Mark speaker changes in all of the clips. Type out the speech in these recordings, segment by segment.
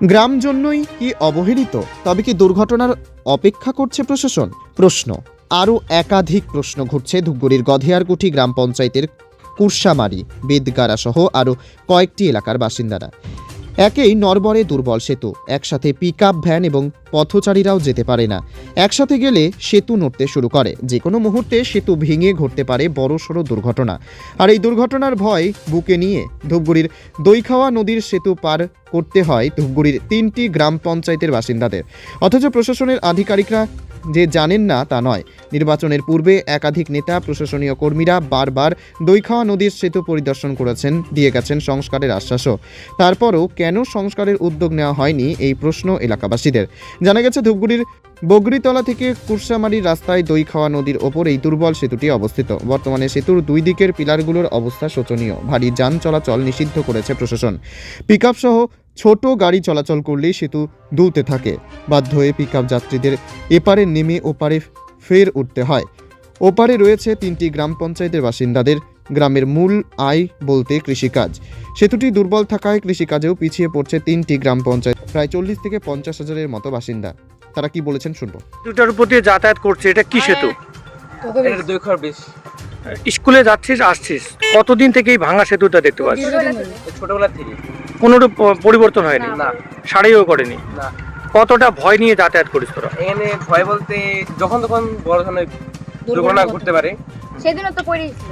Speaker 1: গ্রাম জন্যই কি অবহেলিত? তবে কি দুর্ঘটনার অপেক্ষা করছে প্রশাসন? প্রশ্ন, আরও একাধিক প্রশ্ন ঘুরছে ধূপগুড়ির গধেয়ারকুঠি গ্রাম পঞ্চায়েতের কুরসামারি, বেদগাড়া সহ আরও কয়েকটি এলাকার বাসিন্দারা। একেই নরবরে দুর্বল সেতু, একসাথে পিকআপ ভ্যান এবং পথচারীরাও যেতে পারে না। একসাথে গেলে সেতু নড়তে শুরু করে, যে কোনো মুহূর্তে সেতু ভেঙে ঘটতে পারে বড়সড় দুর্ঘটনা। আর এই দুর্ঘটনার ভয় বুকে নিয়ে ধূপগুড়ির দইখাওয়া নদীর সেতু পার করতে হয় ধূপগুড়ির 3টি গ্রাম পঞ্চায়েতের বাসিন্দাদের। অথচ প্রশাসনের আধিকারিকরা যে জানেন না তা নয়। নির্বাচনের পূর্বে একাধিক নেতা, প্রশাসনীয় কর্মীরা বারবার দইখাওয়া নদীর সেতু পরিদর্শন করেছেন, দিয়ে গেছেন সংস্কারের আশ্বাসও। তারপরও কেন সংস্কারের উদ্যোগ নেওয়া হয়নি, এই প্রশ্ন এলাকাবাসীদের। জানা গেছে ধূপগুড়ির বগরিতলা থেকে কুরসামারির রাস্তায় দইখাওয়া নদীর ওপর এই দুর্বল সেতুটি অবস্থিত। বর্তমানে সেতুর দুই দিকের পিলারগুলোর অবস্থা শোচনীয়। ভারী যান চলাচল নিষিদ্ধ করেছে প্রশাসন। পিকআপ সহ ছোট গাড়ি চলাচল করলেই সেতু দুলতে থাকে। বাধ্য হয়ে পিকআপ যাত্রীদের এপারে নেমে ওপারে ফের উঠতে হয়। ওপারে রয়েছে 3টি গ্রাম পঞ্চায়েতের বাসিন্দাদের। গ্রামের মূল আয় বলতে কৃষিকাজ। সেতুটি দুর্বল থাকায় কৃষিকাজেও পিছিয়ে পড়ছে 3টি গ্রাম পঞ্চায়েত। প্রায় 40 থেকে 50 হাজারের মতো বাসিন্দা। তারা কি বলেছেন শুনবো।
Speaker 2: সেতুটার উপর দিয়ে যাতায়াত করছে, এটা কি সেতু?
Speaker 3: এটা 2 ঘর বেশ।
Speaker 2: স্কুলে যাচ্ছিস আসছিস, কতদিন থেকে এই ভাঙা সেতুটা দেখতে পাচ্ছিস?
Speaker 3: ছোটবেলা থেকে
Speaker 2: কোনো পরিবর্তন হয়নি,
Speaker 3: না
Speaker 2: সারাইও করেনি।
Speaker 3: না।
Speaker 2: কতটা ভয় নিয়ে যাতায়াত করিস তোরা?
Speaker 3: এখানে ভয় বলতে যখন তখন বড় ধরনের দুর্ঘটনা ঘটতে পারে।
Speaker 4: সেদিনও তো পড়েছিল।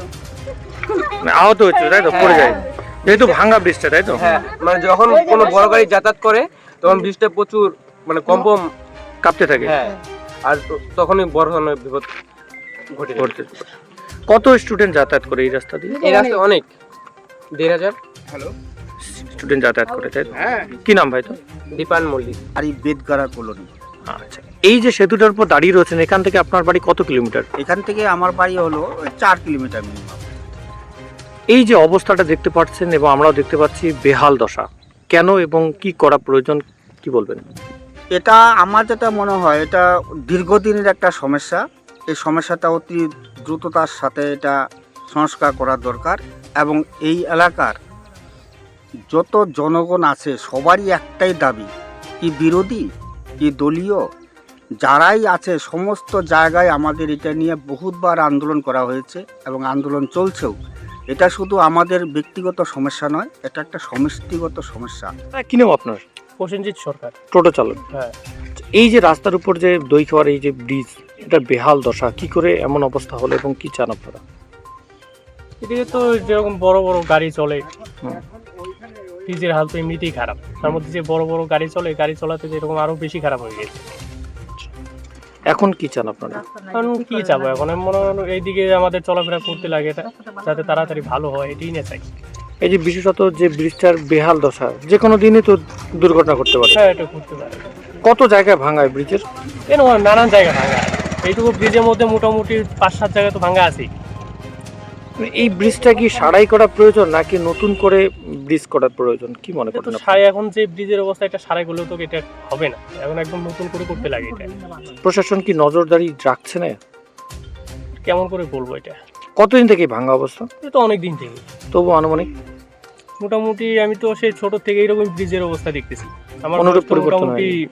Speaker 2: আহত হচ্ছে তাই তো, পড়ে যায় যেহেতু ভাঙা ব্রিজটা, তাই তো?
Speaker 3: হ্যাঁ, মানে যখন কোনো বড় গাড়ি যাতায়াত করে তখন বৃষ্টিতে প্রচুর মানে কম্পন
Speaker 2: কাঁপতে থাকে।
Speaker 3: হ্যাঁ, আর তখনই বড় ধরনের বিপদ ঘটে।
Speaker 2: কত স্টুডেন্ট যাতায়াত করে এই রাস্তা দিয়ে?
Speaker 3: এই রাস্তায় অনেক 1,500 হ্যালো
Speaker 2: স্টুডেন্ট যাতায়াত করে, তাই তো? কি নাম ভাই তো?
Speaker 3: দীপান মল্লিক।
Speaker 5: আর এই বেদগাড়া কলোনি।
Speaker 2: আচ্ছা, এই যে সেতুটার উপর দাঁড়িয়ে রয়েছেন, এখান থেকে আপনার বাড়ি কত কিলোমিটার?
Speaker 5: এখান থেকে আমার বাড়ি হলো 4 কিলোমিটার মিনিমাম।
Speaker 2: এই যে অবস্থাটা দেখতে পাচ্ছেন এবং আমরাও দেখতে পাচ্ছি, বেহাল দশা, কেন এবং কি করা প্রয়োজন, কি বলবেন?
Speaker 5: এটা আমার যেটা মনে হয়, এটা দীর্ঘদিনের একটা সমস্যা। এই সমস্যাটা অতি দ্রুততার সাথে এটা সংস্কার করা দরকার। এবং এই এলাকার যত জনগণ আছে সবারই একটাই দাবি, কি বিরোধী কি দলীয় যারাই আছে সমস্ত জায়গায় আমাদের এটা নিয়ে বহুতবার আন্দোলন করা হয়েছে এবং আন্দোলন চলছেও। এটা শুধু আমাদের ব্যক্তিগত সমস্যা নয়, এটা একটা সমষ্টিগত সমস্যা।
Speaker 2: কি নাম আপনার?
Speaker 6: প্রসেনজিৎ সরকার।
Speaker 2: টোটো চালক।
Speaker 6: হ্যাঁ।
Speaker 2: এই যে রাস্তার উপর যে দইখাওয়ার এই যে ব্রিজ, এটা বেহাল দশা, কি করে এমন অবস্থা হলো এবং কি চান আপনারা?
Speaker 6: এদিকে তো যেরকম বড় বড় গাড়ি চলে, ব্রিজের হাল তো এমনিতেই খারাপ, তার মধ্যে যে বড় বড় গাড়ি চলে, গাড়ি চলাতে যেরকম আরো বেশি খারাপ হয়ে গেছে।
Speaker 2: এখন কি চান আপনারা?
Speaker 6: কারণ কি চাবো এখন, আমি মনে হয় এইদিকে আমাদের চলাফেরা করতে লাগে, এটা যাতে তাড়াতাড়ি ভালো হয় এটাই না চাই।
Speaker 2: এই যে বিশেষত যে ব্রিজটার বেহাল দশা, যে কোনো দিনই তো দুর্ঘটনা করতে পারে।
Speaker 6: হ্যাঁ, এটা করতে পারে।
Speaker 2: কত জায়গায় ভাঙায় ব্রিজের?
Speaker 6: এরকম নানান জায়গা ভাঙা, এইটুকু ব্রিজের মধ্যে মোটামুটি 5-7 জায়গায় তো ভাঙা আছেই।
Speaker 2: এই ব্রিজটা কি সারাই করা প্রয়োজন নাকি নতুন করে ব্রিজ করার প্রয়োজন, কি মনে করেন আপনি?
Speaker 6: সারাই এখন যে ব্রিজের অবস্থা, এটা সারাই করলেও তো এটা হবে না, এখন একদম নতুন করে করতে লাগে। এটা
Speaker 2: প্রশাসন কি নজরদারি রাখছে না?
Speaker 6: কেমন করে বলবো, এটা
Speaker 2: কতদিন থেকে ভাঙা অবস্থা?
Speaker 6: এটা তো অনেক দিন থেকে।
Speaker 2: তবু আনুমানিক
Speaker 6: মোটামুটি আমি তো সেই ছোট থেকে এইরকম ব্রিজের অবস্থা দেখতেছি। আমার
Speaker 2: অনুরূপ
Speaker 6: বয়স তো
Speaker 2: পরিবর্তন
Speaker 6: মোটামুটি
Speaker 2: হয়নি।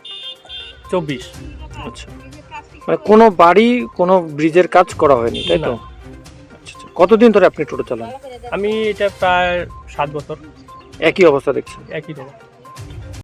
Speaker 6: 24।
Speaker 2: আচ্ছা, মানে কোনো বাড়ি কোনো ব্রিজের কাজ করা হয়নি, তাই তো?
Speaker 6: না।
Speaker 2: আচ্ছা, কতদিন ধরে আপনি টোটো চালান?
Speaker 6: আমি এটা প্রায় 7 বছর
Speaker 2: একই অবস্থা দেখছেন?
Speaker 6: একই রকম।